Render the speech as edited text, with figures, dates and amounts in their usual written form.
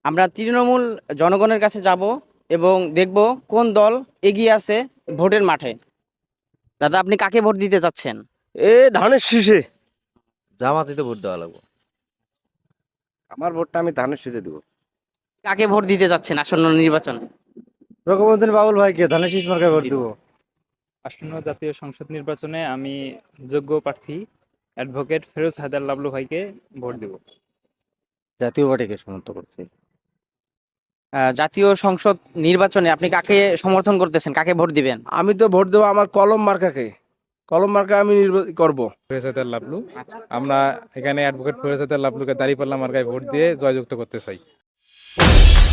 আমরা তৃণমূল জনগণের কাছে যাব এবং দেখব কোন দল এগিয়ে আছে ভোটের মাঠে। দাদা, আপনি কাকে ভোট দিতে চাচ্ছেন? ধানের শীষে। জামাতিতে ভোট দেওয়া লাগবে। আমার ভোটটা আমি ধানের শীষে দিব। কাকে ভোট দিতে যাচ্ছেন আসন্ন নির্বাচনে? রকমউদ্দিন বাবুল ভাইকে ধানের শীষ মার্কায় ভোট দিব। আসন্ন জাতীয় সংসদ নির্বাচনে আমি যোগ্য প্রার্থী অ্যাডভোকেট ফেরোজ হায়দার লাবলু ভাইকে ভোট দেব। জাতীয় পার্টিকে সমর্থন করছি। জাতীয় সংসদ নির্বাচনে আপনি কাকে সমর্থন করতেছেন, কাকে ভোট দিবেন? আমি তো ভোট দেবো আমার কলম মার্কাকে। কলম মার্কা আমি করব। ফেরোজ হায়দার লাবলু, আমরা এখানে অ্যাডভোকেট ফেরোজ হায়দার লাবলুকে দাঁড়িপাল্লা মার্কায় ভোট দিয়ে জয়যুক্ত করতে চাই।